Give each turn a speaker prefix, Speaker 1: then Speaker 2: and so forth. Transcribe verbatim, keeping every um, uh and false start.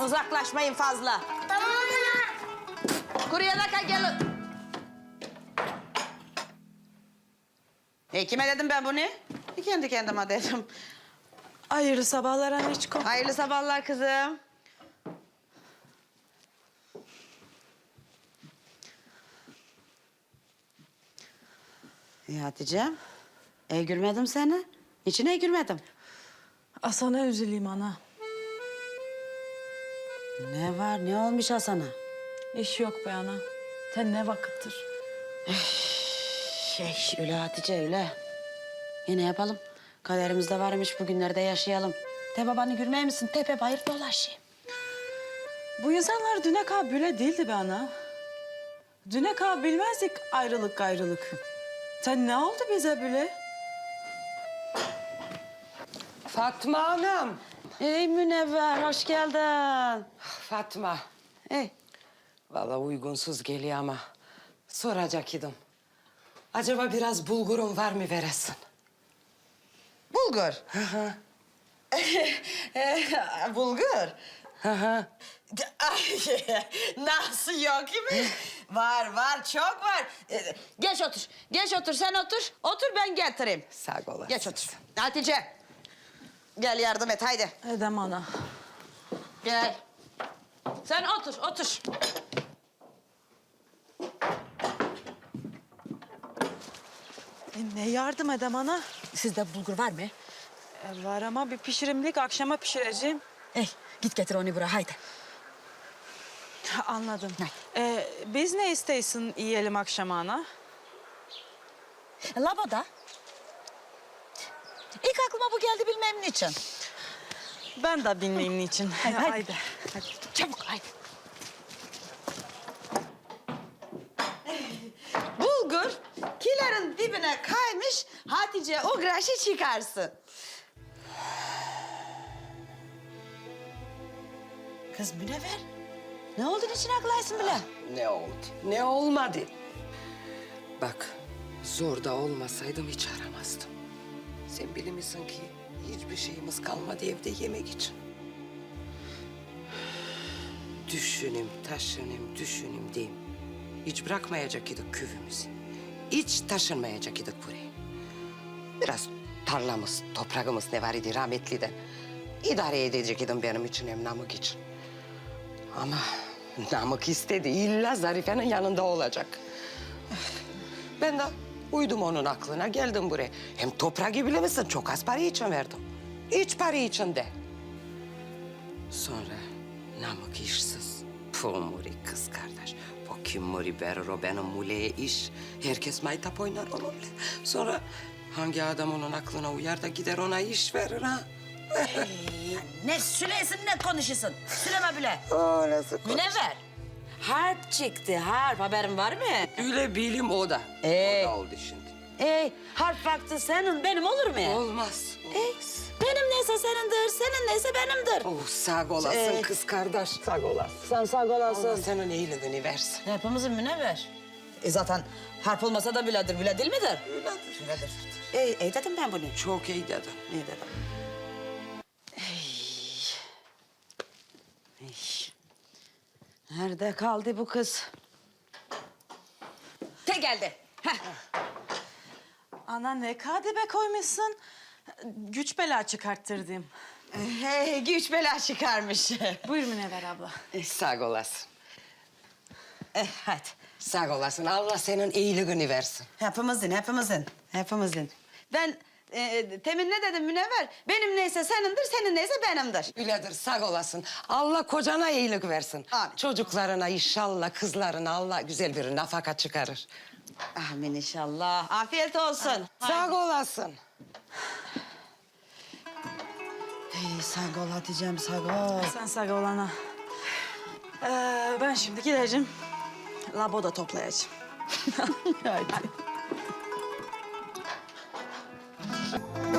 Speaker 1: uzaklaşmayın fazla.
Speaker 2: Tamam ana.
Speaker 1: Kuruya da gelin. E kime dedim ben bunu? E, kendi kendime dedim.
Speaker 3: Hayırlı sabahlar anneciğim.
Speaker 1: Hayırlı sabahlar kızım. İyi Hatice'm. E gülmedim seni. Niçin e gülmedim?
Speaker 3: Asana üzüleyim ana.
Speaker 1: Ne var, ne olmuş Hasan'a?
Speaker 3: İş yok be ana. Sen ne vakittir?
Speaker 1: Şey, öyle Hatice, öyle. Yine yapalım. Kaderimizde varmış, bugünlerde yaşayalım. De babanı gülmeye misin? Tepe bayır dolaşayım.
Speaker 3: Bu insanlar düne kadar böyle değildi be ana. Düne kadar bilmezdik ayrılık gayrılık. Sen ne oldu bize böyle?
Speaker 4: Fatma Hanım.
Speaker 1: Ey Münevver, hoş geldin.
Speaker 4: Fatma.
Speaker 1: Ey.
Speaker 4: Vallahi uygunsuz geliyor ama soracak idim. Acaba biraz bulgurum var mı veresin?
Speaker 1: Bulgur.
Speaker 4: Hı hı.
Speaker 1: Bulgur.
Speaker 4: Hı hı.
Speaker 1: Ay, nasıl yok mi? Var, var, çok var. Ee, Geç otur, geç otur. Sen otur, otur ben getireyim.
Speaker 4: Sağ olasın.
Speaker 1: Geç otur. Hatice, gel yardım et, haydi.
Speaker 3: Edem ana.
Speaker 1: Gel. Sen otur, otur.
Speaker 3: E, ne yardım edem ana?
Speaker 1: Sizde bulgur var mı?
Speaker 3: E, var ama bir pişirimlik akşama pişireceğim.
Speaker 1: Ey, git getir onu buraya, haydi.
Speaker 3: Ha, anladım.
Speaker 1: Ne?
Speaker 3: E, biz ne isteysin yiyelim akşama ana?
Speaker 1: Laboda. İlk aklıma bu geldi bilmem niçin.
Speaker 3: Ben de bilmeyeyim niçin.
Speaker 1: Haydi, haydi.
Speaker 3: Haydi.
Speaker 1: Hadi, çabuk, haydi. Bulgur kilerin dibine kaymış, Hatice o graşı çıkarsın. Kız Münevver, ne oldu için aklaysın bile?
Speaker 4: Ne oldu? Ne olmadı? Bak, zor da olmasaydım hiç aramazdım. Sen bilirsin ki hiçbir şeyimiz kalmadı evde yemek için. Düşünüm, taşınım, düşünüm diyeyim. Hiç bırakmayacak idik küvümüzü. Hiç taşınmayacak idik buraya. Biraz tarlamız, toprağımız ne var idi rahmetliden. İdare edecek idim benim için hem Namık için. Ama Namık istedi. İlla Zarife'nin yanında olacak. Ben de uydum onun aklına, geldim buraya. Hem toprağı bilir misin? Çok az para için verdim. Hiç para için de. Sonra Namık işsiz. Pumuri kız kardeş. O kim muri verir o benim muleye iş. Herkes maytap oynar onunla. Sonra hangi adam onun aklına uyar da gider ona iş verir ha?
Speaker 1: Ne sülesin ne konuşuyorsun? Süleme bile.
Speaker 4: O nasıl
Speaker 1: Münevver, harp çıktı, harp. Haberin var mı?
Speaker 4: Öyle bilim o da.
Speaker 1: Ee?
Speaker 4: O da oldu şimdi.
Speaker 1: Ey, harp vakti senin, benim olur mu?
Speaker 4: Olmaz.
Speaker 1: Ey, benim neyse senindir, senin neyse benimdir.
Speaker 4: Oh, sağ olasın
Speaker 1: Ee?
Speaker 4: kız kardeş. Sağ olasın.
Speaker 1: Sen sağ
Speaker 4: Allah
Speaker 1: olasın.
Speaker 4: senin iyiliğini versin.
Speaker 1: Hepimizin Münevver. E zaten harp olmasa da biledir, bile değil midir?
Speaker 4: Öyledir.
Speaker 1: Biledir. Ey, ey dedim ben bunu.
Speaker 4: Çok iyi dedin.
Speaker 1: İyi dedim. Ey. Nerede kaldı bu kız? Te geldi. Heh.
Speaker 3: Ana ne kadebe koymuşsun? Güç bela çıkarttırdım.
Speaker 1: Hey, güç bela çıkarmış.
Speaker 3: Buyur Münevver abla.
Speaker 4: Eh, sağ olasın.
Speaker 1: eh, hadi.
Speaker 4: Sağ olasın. Allah senin iyiliğini versin.
Speaker 1: Hepimizin, hepimizin, hepimizin. Ben e, temin ne dedim Münevver? Benim neyse senindir, senin neyse benimdir.
Speaker 4: Öyledir, sağ olasın. Allah kocana iyilik versin.
Speaker 1: Amin.
Speaker 4: Çocuklarına inşallah, kızlarına Allah güzel bir nafaka çıkarır.
Speaker 1: Amin inşallah. Afiyet olsun.
Speaker 4: Sağ olasın.
Speaker 1: Hey, sağ ol Hatice'm, sağ ol.
Speaker 3: Sen sağ ol ana. Ee, ben şimdi gideceğim. Laboda toplayacağım.
Speaker 1: Hadi.